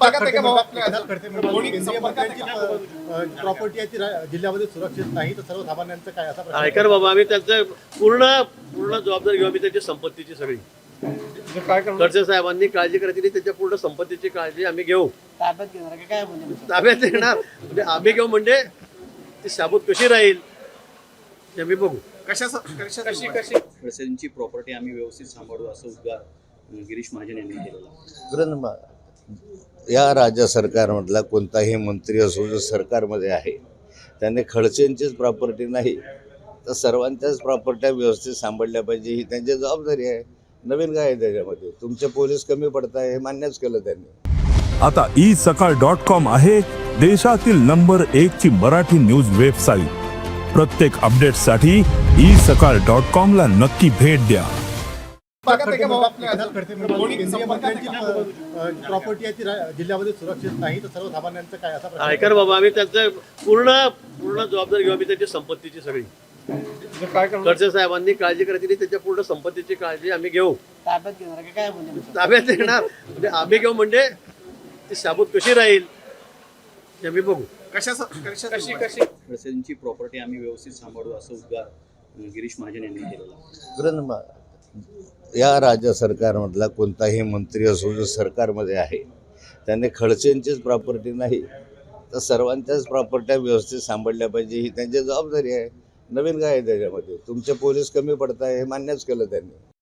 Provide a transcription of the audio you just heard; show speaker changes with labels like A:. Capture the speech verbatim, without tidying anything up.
A: Property आहे ती जिल्ह्यामध्ये सुरक्षित नाही, तर सर्वसामान्यांचं काय असा प्रश्न?
B: ऐका बाबा, आम्ही त्याचं पूर्ण पूर्ण जबाबदारी घेऊ. आम्ही त्याची संपत्तीची सगळी
A: काय करणार?
B: खडसे साहेबांनी काळजी करायची नाही, त्याच्या पूर्ण संपत्तीची काळजी आम्ही घेऊ.
C: ताब्यात घेणार का काय म्हणजे
B: ताब्यात येणार म्हणजे आम्ही घेऊ, म्हणजे ती साबूत कशी राहील ते आम्ही बघू.
A: कशा कशी कशी
D: खडसेंची प्रॉपर्टी आम्ही व्यवस्थित सांभाळू असं उद्गार गिरीश महाजन यांनी केलेला.
E: कारण या राज्य सरकारमधला कोणताही मंत्री असो जो सरकारमध्ये आहे त्याने खडसेंचीच प्रॉपर्टी नाही तर सर्वांच्याच प्रॉपर्ट्या व्यवस्थित सांभाळल्या पाहिजे, ही त्यांची जबाबदारी आहे. नवीन काय आहे त्याच्यामध्ये? तुमचे पोलीस कमी पडत आहे हे मान्यच केलं त्यांनी.
F: आता ई सकाळ डॉट कॉम आहे देशातील नंबर एक ची मराठी न्यूज वेबसाईट. प्रत्येक अपडेटसाठी ई सकाळ डॉट कॉम ला नक्की भेट द्या.
A: प्रॉपर्टी आहे ती जिल्ह्यामध्ये सुरक्षित नाही, तर सर्वसामान्यांचं काय असा प्रश्न?
B: ऐका बाबा, आम्ही त्याचं पूर्ण पूर्ण जबाबदारी घेऊ. आम्ही त्याची संपत्तीची सगळी
A: काय करणार?
B: खडसे साहेबांनी काळजी करायची नाही, त्याच्या पूर्ण संपत्तीची काळजी आम्ही घेऊ.
C: ताब्यात घेणार का काय म्हणजे
B: ताब्यात येणार म्हणजे आम्ही घेऊ, म्हणजे ती साबूत कशी राहील ते आम्ही बघू.
A: कशा कशी कशी
D: खडसेंची प्रॉपर्टी आम्ही व्यवस्थित सांभाळू असं उद्गार गिरीश महाजन यांनी केलेला.
E: कारण या राज्य सरकारमधला कोणताही मंत्री असो जो सरकारमध्ये आहे त्याने खडसेंचीच प्रॉपर्टी नाही तर सर्वांच्याच प्रॉपर्ट्या व्यवस्थित सांभाळल्या पाहिजे, ही त्यांची जबाबदारी आहे. नवीन काय आहे त्याच्यामध्ये? तुमचे पोलीस कमी पडत आहे हे मान्यच केलं त्यांनी.